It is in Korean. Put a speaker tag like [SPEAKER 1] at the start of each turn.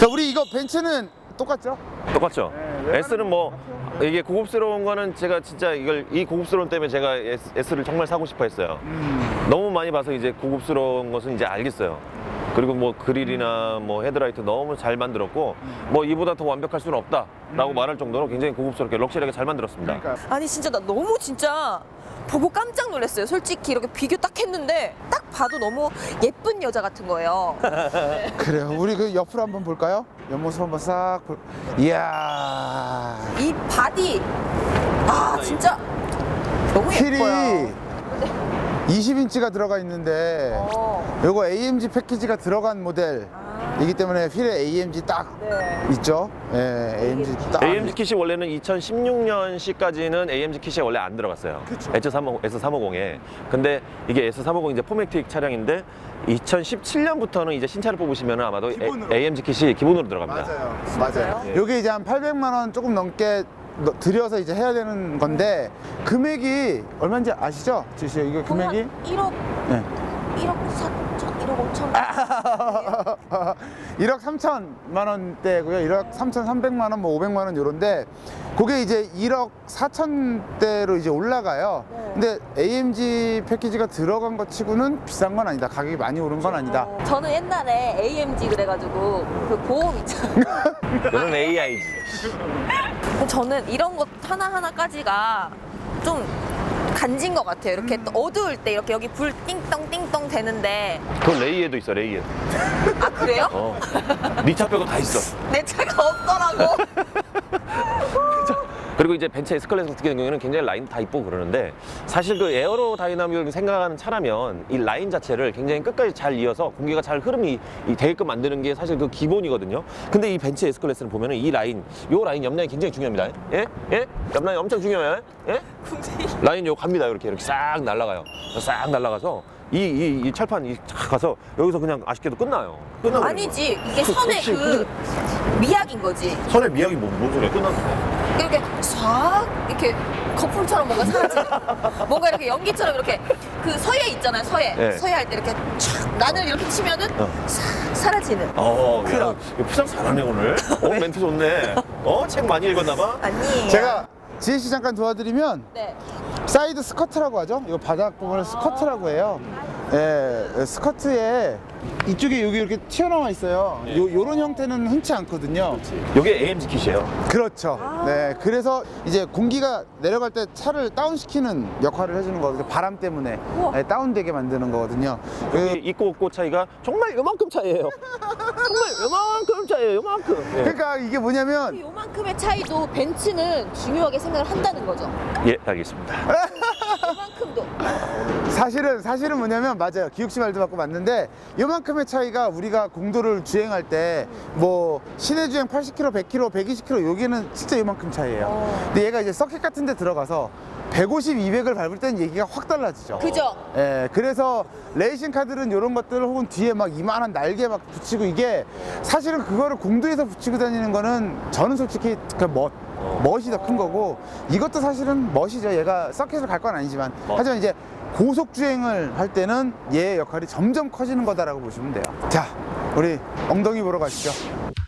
[SPEAKER 1] 자, 우리 이거 벤츠는 똑같죠?
[SPEAKER 2] 똑같죠?
[SPEAKER 1] 네,
[SPEAKER 2] S는 뭐 이게 고급스러운 거는 제가 진짜 이 고급스러움 때문에 제가 S를 정말 사고 싶어 했어요. 너무 많이 봐서 이제 고급스러운 것은 이제 알겠어요. 그리고 뭐 그릴이나 뭐 헤드라이트 너무 잘 만들었고 뭐 이보다 더 완벽할 수는 없다라고 말할 정도로 굉장히 고급스럽게 럭셔리하게 잘 만들었습니다.
[SPEAKER 1] 그러니까.
[SPEAKER 3] 아니 진짜 나 너무 진짜 보고 깜짝 놀랐어요. 솔직히 이렇게 비교 딱 했는데 딱 봐도 너무 예쁜 여자 같은 거예요.
[SPEAKER 1] 그래요. 우리 그 옆으로 한번 볼까요? 옆모습 한번 싹 볼. 이야.
[SPEAKER 3] 이 바디 아 진짜 너무
[SPEAKER 1] 휠이
[SPEAKER 3] 예뻐요.
[SPEAKER 1] 20인치가 들어가 있는데 요거 AMG 패키지가 들어간 모델이기 때문에 휠에 AMG 딱
[SPEAKER 3] 네.
[SPEAKER 1] 있죠. 예, AMG 딱.
[SPEAKER 2] AMG 킷이 원래는 2016년식까지는 AMG kit이 원래 안 들어갔어요.
[SPEAKER 1] 그쵸.
[SPEAKER 2] S350에. 근데 이게 S350 이제 포매틱 차량인데 2017년부터는 이제 신차를 뽑으시면 아마도
[SPEAKER 1] 기본으로.
[SPEAKER 2] AMG kit이 기본으로 들어갑니다.
[SPEAKER 1] 맞아요.
[SPEAKER 2] 예.
[SPEAKER 1] 요게 이제 한 800만 원 조금 넘게 들여서 이제 해야 되는 건데 금액이 얼마인지 아시죠? 지시 이거 금액이
[SPEAKER 3] 1억
[SPEAKER 1] 네.
[SPEAKER 3] 1억 4천 1억 5천
[SPEAKER 1] 1억 3천만 원대고요. 1억 3,300만 원, 뭐 500만 원 요런데 그게 이제 1억 4천대로 이제 올라가요. 근데 AMG 패키지가 들어간 것 치고는 비싼 건 아니다. 가격이 많이 오른 건 아니다.
[SPEAKER 3] 저는 옛날에 AMG 그래가지고 그 보험 있잖아요.
[SPEAKER 2] 너는 AIG.
[SPEAKER 3] 저는 이런 것 하나하나까지가 좀 간진 것 같아요. 이렇게 또 어두울 때 이렇게 여기 불 띵동 띵동 되는데
[SPEAKER 2] 그건 레이에도 있어, 레이에.
[SPEAKER 3] 아 그래요?
[SPEAKER 2] 네 차 빼고 다 있어.
[SPEAKER 3] 내 차가 없더라고.
[SPEAKER 2] 그리고 이제 벤츠 S클래스 같은 경우에는 굉장히 라인 다 이쁘고 그러는데 사실 그 에어로 다이나믹을 생각하는 차라면 이 라인 자체를 굉장히 끝까지 잘 이어서 공기가 잘 흐름이 되게끔 만드는 게 사실 그 기본이거든요. 근데 이 벤츠 S클래스는 보면은 이 라인, 요 라인 옆라인 굉장히 중요합니다. 예? 예? 옆라인 엄청 중요해요. 예? 라인 요 갑니다. 이렇게 싹 날아가요. 싹 날아가서 이 철판 쫙 가서 여기서 그냥 아쉽게도 끝나요. 끝나버려요.
[SPEAKER 3] 아니지 이게 선의 그 미학인 거지.
[SPEAKER 2] 선의 미학이 뭔 소리야? 끝났어.
[SPEAKER 3] 이렇게 싹 이렇게 거품처럼 뭔가 사라지는 뭔가 이렇게 연기처럼 이렇게 그 서예 있잖아요. 서예
[SPEAKER 2] 네.
[SPEAKER 3] 서예 할 때 이렇게 촥 난을 이렇게 치면은 싹 사라지는
[SPEAKER 2] 그럼. 포장 잘하네 오늘. 멘트 좋네. 책 많이 읽었나 봐.
[SPEAKER 3] 아니에요.
[SPEAKER 1] 제가 지혜 씨 잠깐 도와드리면
[SPEAKER 3] 네.
[SPEAKER 1] 사이드 스커트라고 하죠. 이거 바닥 부분을 스커트라고 해요. 예, 스커트에 이쪽에 여기 이렇게 튀어나와 있어요. 요런 형태는 흔치 않거든요.
[SPEAKER 2] 이게 AMG 킷이에요.
[SPEAKER 1] 그렇죠. 네, 그래서 이제 공기가 내려갈 때 차를 다운시키는 역할을 해주는 거거든요. 바람 때문에 네, 다운되게 만드는 거거든요.
[SPEAKER 2] 이 있고 없고 차이가 정말 요만큼 차이예요. 정말 요만큼 차이예요. 요만큼. 예.
[SPEAKER 1] 그러니까 이게 뭐냐면
[SPEAKER 3] 요만큼의 차이도 벤츠는 중요하게 생각을 한다는 거죠.
[SPEAKER 2] 예, 알겠습니다.
[SPEAKER 3] 요만큼도.
[SPEAKER 1] 사실은 뭐냐면 맞아요. 기욱 씨 말도 맞고 맞는데 요만큼의 차이가 우리가 공도를 주행할 때 뭐 시내 주행 80km, 100km, 120km 여기는 진짜 요만큼 차이예요. 근데 얘가 이제 서킷 같은 데 들어가서 150, 200을 밟을 때는 얘기가 확 달라지죠.
[SPEAKER 3] 그죠?
[SPEAKER 1] 예, 그래서 레이싱 카들은 이런 것들 혹은 뒤에 막 이만한 날개 막 붙이고 이게 사실은 그거를 공도에서 붙이고 다니는 거는 저는 솔직히 그 멋이 더 큰 거고 이것도 사실은 멋이죠. 얘가 서킷을 갈 건 아니지만 하지만 이제 고속 주행을 할 때는 얘의 역할이 점점 커지는 거다라고 보시면 돼요. 자, 우리 엉덩이 보러 가시죠.